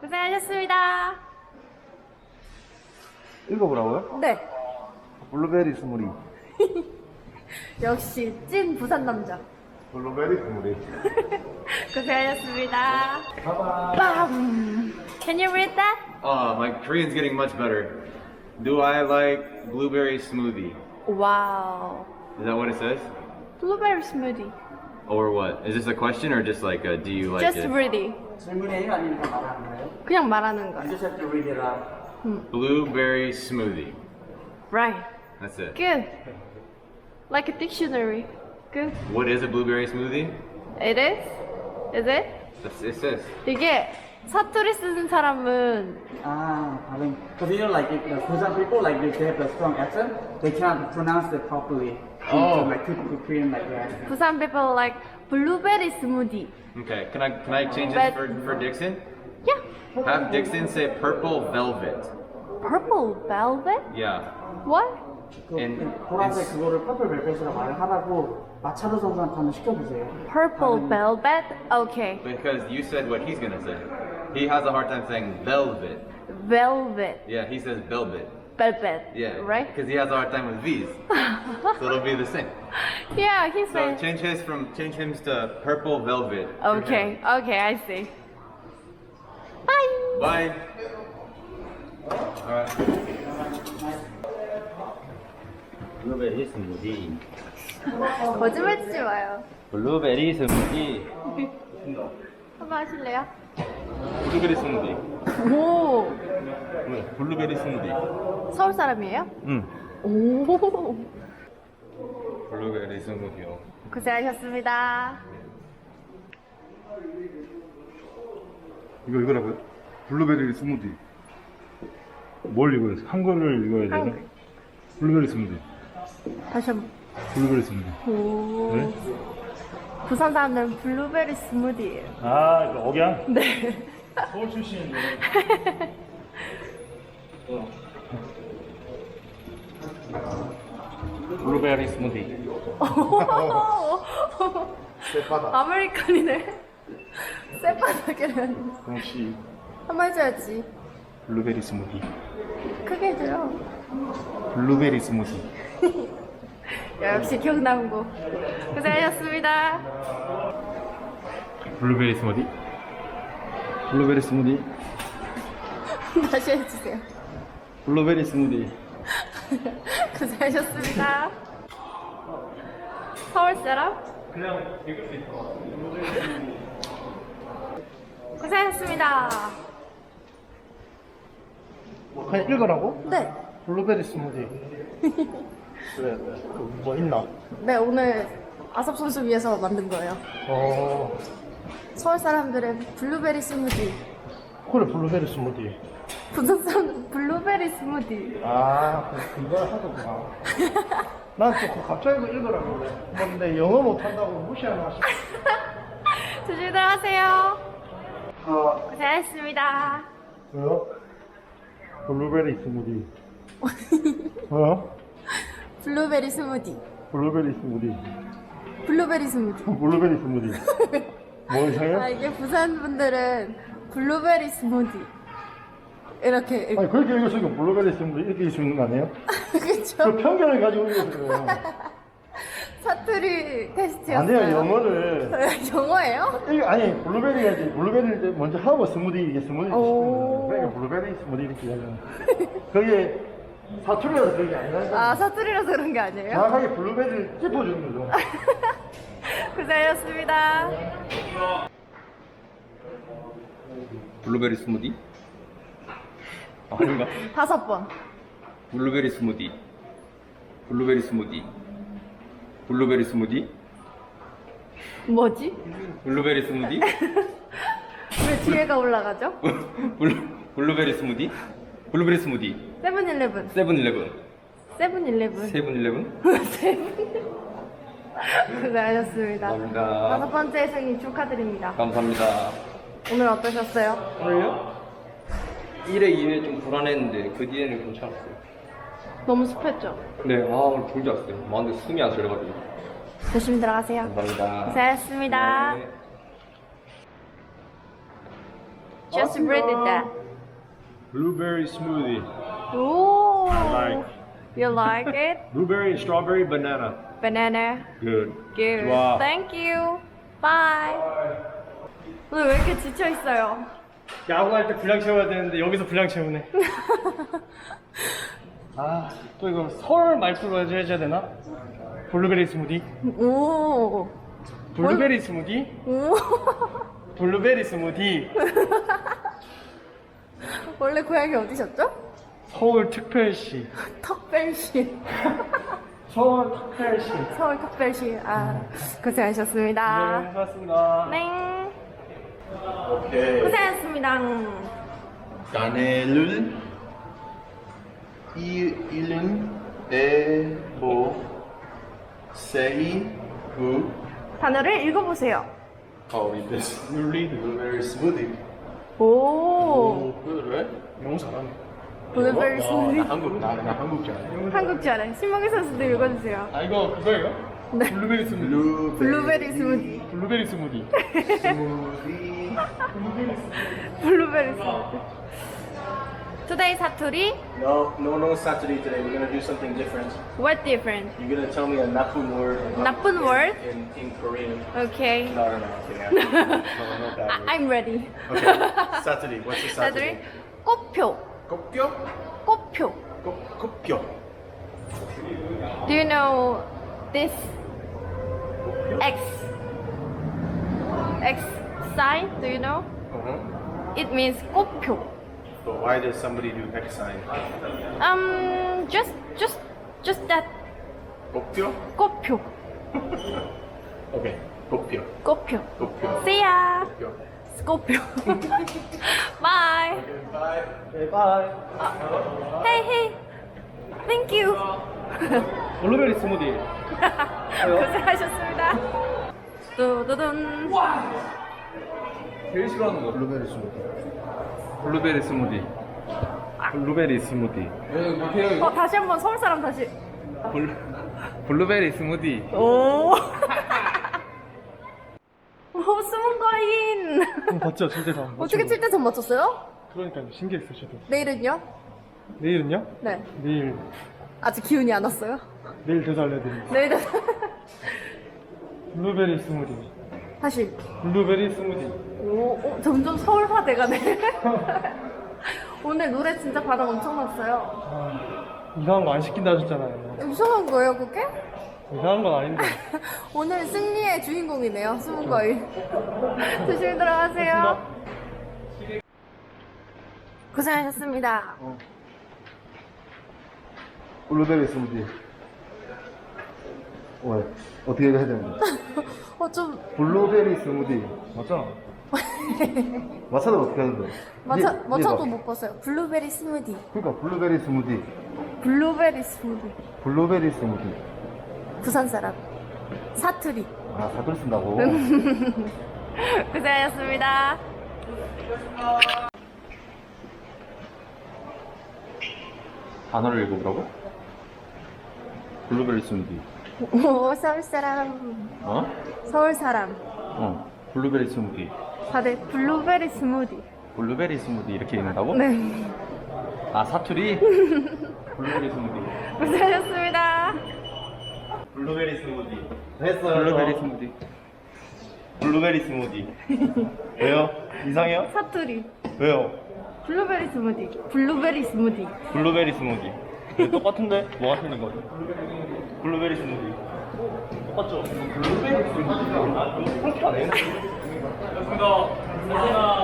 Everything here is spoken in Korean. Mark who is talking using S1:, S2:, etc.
S1: 고생하셨습니다.
S2: 읽어보라고요?
S1: 네.
S2: 블루베리 스무디.
S1: 역시 찐 부산 남자.
S2: 블루베리 스무디.
S1: 고생하셨습니다. Bam. Can you read that?
S3: My Korean's getting much better. Do I like blueberry smoothie?
S1: Wow.
S3: Is that what it says?
S1: Blueberry smoothie.
S3: Or what? Is this a question or just like a, do you like
S1: Just
S3: it?
S1: read it.
S4: 질문이에요? 아니면 말하는 거예요?
S1: 그냥 말하는
S4: You
S1: 거예요.
S4: just have to read it out.
S3: Blueberry smoothie.
S1: Right.
S3: That's it.
S1: Good. Like a dictionary. Good.
S3: What is a blueberry smoothie?
S1: It is? Is it?
S3: It says.
S1: 이게 사투리 쓰는 사람은
S4: 다른. Because you know, like, for some people, like, they have a strong accent, they cannot pronounce it properly.
S3: Oh.
S4: So, like, typical Korean, like that.
S1: 부산 people like blueberry smoothie.
S3: Okay, can I change
S1: But-
S3: this for Dixon?
S1: Yeah.
S3: Have Dixon say purple velvet.
S1: Purple velvet?
S3: Yeah.
S1: What?
S3: And
S4: 보라색
S3: it's-
S4: 그거를 퍼플 벨벳이라고 말을 하라고 마차도 선수한테 한번 시켜보세요.
S1: Purple velvet? Okay.
S3: because you said what he's gonna say. He has a hard time saying velvet.
S1: Velvet.
S3: Yeah, he says velvet.
S1: Velvet.
S3: Yeah.
S1: Right?
S3: Because he has a hard time with V's. So it'll be the same.
S1: Yeah, he
S3: So
S1: said.
S3: change him to purple velvet.
S1: Okay. Okay, I see. Bye.
S3: Bye. Alright.
S5: 블루베리 스무디.
S1: 거짓말 치지 마요.
S5: 블루베리 스무디.
S1: 한번 하실래요?
S5: 블루베리 스무디.
S1: 오.
S5: 블루베리 스무디.
S1: 서울 사람이에요?
S5: 응.
S1: 오.
S5: 블루베리 스무디요.
S1: 고생하셨습니다.
S2: 이거라고요? 블루베리 스무디. 뭘 읽어요? 한글을 읽어야 되나?
S1: 한글.
S2: 블루베리 스무디.
S1: 다시 한번.
S2: 블루베리 스무디.
S1: 오.
S2: 네?
S1: 부산 사람들은 블루베리 스무디예요.
S2: 아, 그 억양?
S1: 네.
S2: 서울 출신인데.
S5: 블루베리 스무디.
S2: 쇠바다.
S1: 아메리칸이네. 쇠바닥이라니.
S2: 역시
S1: 한번 해줘야지.
S2: 블루베리 스무디.
S1: 크게 해줘요.
S2: 블루베리 스무디.
S1: 역시 경남고. 고생하셨습니다.
S2: 블루베리 스무디. 블루베리 스무디.
S1: 다시 해주세요.
S2: 블루베리 스무디.
S1: 고생하셨습니다. 서울 사람?
S2: 그냥 읽을 수 있어.
S1: 고생하셨습니다.
S2: 그냥 읽으라고?
S1: 네.
S2: 블루베리 스무디. 그래, 뭐 있나?
S1: 네, 오늘 아섭 선수 위해서 만든 거예요. 서울 사람들의 블루베리 스무디.
S2: 그래, 블루베리 스무디.
S1: 부산 사람들은 블루베리 스무디.
S2: 아, 그걸 하더구나. 난또 갑자기 그 읽으라고 그래. 근데 영어 못한다고 무시하나 싶어.
S1: 조심히 들어가세요. 고생하셨습니다.
S2: 왜요? 블루베리 스무디. 왜요?
S1: 블루베리 스무디.
S2: 블루베리 스무디.
S1: 블루베리 스무디.
S2: 블루베리 스무디. 뭐 이상해?
S1: 이게 부산 분들은 블루베리 스무디. 이렇게
S2: 아니, 그렇게 읽었으니까 블루베리 스무디 이렇게 읽을 수 있는 거 아니에요?
S1: 그쵸?
S2: 그 편견을 가지고 읽었어요.
S1: 사투리 테스트였어요.
S2: 안 돼요, 영어를.
S1: 영어예요?
S2: 아니, 블루베리가 이제, 블루베리를 먼저 하고 스무디, 이게 스무디 시키는
S1: 오.
S2: 거예요. 그러니까 블루베리 스무디 이렇게 하잖아. 그게 사투리라서 그런 게 아니라.
S1: 아, 사투리라서 그런 게 아니에요?
S2: 정확하게 블루베리를 찝어주는 거죠.
S1: 고생하셨습니다.
S3: 블루베리 스무디? 아닌가?
S1: 5번.
S3: 블루베리 스무디. 블루베리 스무디. 블루베리 스무디?
S1: 뭐지?
S3: 블루베리 스무디?
S1: 왜 뒤에가 올라가죠?
S3: 블루베리 스무디? 블루베리 스무디.
S1: 세븐일레븐.
S3: 세븐일레븐.
S1: 세븐일레븐.
S3: 세븐일레븐?
S1: 고생하셨습니다.
S3: 감사합니다.
S1: 5번째 생일 축하드립니다.
S3: 감사합니다.
S1: 오늘 어떠셨어요?
S3: 오늘요? 1회, 2회 좀 불안했는데 그 뒤에는 괜찮았어요.
S1: 너무 습했죠?
S3: 네, 오늘 졸지 않았어요. 마음에 숨이 안 쉬어가지고.
S1: 조심히 들어가세요.
S3: 감사합니다.
S1: 고생하셨습니다.
S3: 네.
S1: Just read it that.
S2: Blueberry smoothie.
S1: Ooh.
S2: like.
S1: You like it?
S2: Blueberry, strawberry, banana.
S1: Banana.
S2: Good.
S1: Good.
S2: 좋아.
S1: Thank you. Bye. 오늘 왜 이렇게 지쳐 있어요?
S2: 야구할 때 분량 채워야 되는데 여기서 분량 채우네. 아, 또 이거 서울 말투로 해줘야 되나? 블루베리 스무디?
S1: 오.
S2: 블루베리 스무디?
S1: 오.
S2: 블루베리 스무디.
S1: 원래 고향이 어디셨죠?
S2: 서울 특별시.
S1: 턱벨시.
S2: 서울 특별시.
S1: 서울 턱벨시. 아, 고생하셨습니다.
S2: 네, 고맙습니다.
S1: 네.
S5: 오케이.
S1: 고생하셨습니다.
S5: 까네를 이른 에보 세이 구
S1: 단어를 읽어보세요.
S5: How is this?
S2: You read.
S5: Blueberry smoothie.
S1: 오.
S5: 그래?
S2: 너무 잘하네.
S1: 블루베리 스무디.
S5: 나 한국잖아.
S1: 한국 잘해. 신명희 선수도 읽어주세요.
S2: 아, 이거 그거예요?
S1: 네.
S2: 블루베리 스무디.
S1: 블루베리 스무디.
S2: 블루베리 스무디.
S5: 스무디.
S1: 블루베리 스무디. Today 사투리.
S5: No Saturday today. We're gonna do something different.
S1: What different?
S5: You're gonna tell me a 나쁜 word.
S1: 나쁜 word?
S5: In Korean.
S1: Okay.
S5: No, I'm kidding. No, not that word.
S1: I'm ready.
S5: Okay. Saturday. What's the
S1: 사투리.
S5: Saturday?
S1: 꽃표.
S5: 꽃표?
S1: 꽃표.
S5: 꽃표.
S1: Do you know this X sign? Do you know? It means 꽃표.
S5: But why does somebody do X sign?
S1: Just that
S5: 꽃표?
S1: 꽃표.
S5: Okay. 꽃표.
S1: 꽃표.
S5: 꽃표.
S1: See ya.
S5: 꽃표.
S1: 꽃표. Bye.
S2: 네, 바이.
S1: Hey, hey. Thank you.
S2: 블루베리 스무디.
S1: 고생하셨습니다. 두두둔.
S5: 제일 싫어하는 거 블루베리 스무디. 블루베리 스무디. 블루베리 스무디.
S1: 다시 한번 서울 사람 다시.
S5: 블루베리 스무디.
S1: 오. 오, 숨은 거인.
S2: 봤죠? 진짜 다.
S1: 어떻게 7대 전 맞췄어요?
S2: 그러니까 신기했어, 저도.
S1: 내일은요?
S2: 내일은요?
S1: 네.
S2: 내일
S1: 아직 기운이 안 왔어요?
S2: 대사 알려드릴게요.
S1: 내일은.
S2: 블루베리 스무디.
S1: 다시.
S2: 블루베리 스무디.
S1: 오, 점점 서울화 돼가네. 오늘 노래 진짜 반응 엄청 났어요.
S2: 아, 이상한 거 안 시킨다 하셨잖아요.
S1: 이상한 거예요, 그게?
S2: 이상한 건 아닌데.
S1: 오늘 승리의 주인공이네요, 숨은 거인. 조심히 들어가세요. 고생하셨습니다.
S6: 블루베리 스무디. 왜? 어떻게 해야 되는데?
S1: 좀,
S6: 블루베리 스무디. 맞잖아. 맞춰도 어떻게 하는데?
S1: 맞춰도 못 봤어요. 블루베리 스무디.
S6: 그러니까 블루베리 스무디.
S1: 블루베리 스무디.
S6: 블루베리 스무디.
S1: 부산 사람. 사투리.
S6: 아, 사글 쓴다고?
S1: 고생하셨습니다.
S5: 단어를 읽어보라고? 블루베리 스무디.
S1: 오, 서울 사람.
S5: 어?
S1: 서울 사람.
S5: 블루베리 스무디.
S1: 다들 블루베리 스무디.
S5: 블루베리 스무디 이렇게 읽는다고?
S1: 네.
S5: 아 사투리? 블루베리 스무디.
S1: 고생하셨습니다.
S2: 블루베리 스무디. 했어요.
S5: 블루베리
S2: 저.
S5: 스무디.
S2: 블루베리 스무디. 왜요? 이상해요?
S1: 사투리.
S2: 왜요?
S1: 블루베리 스무디. 블루베리 스무디.
S2: 블루베리 스무디. 네, 똑같은데? 뭐가 틀린 거죠? 블루베리 스무디. 똑같죠? 블루베리 스무디. 아, 그렇게 안 해. 고맙습니다.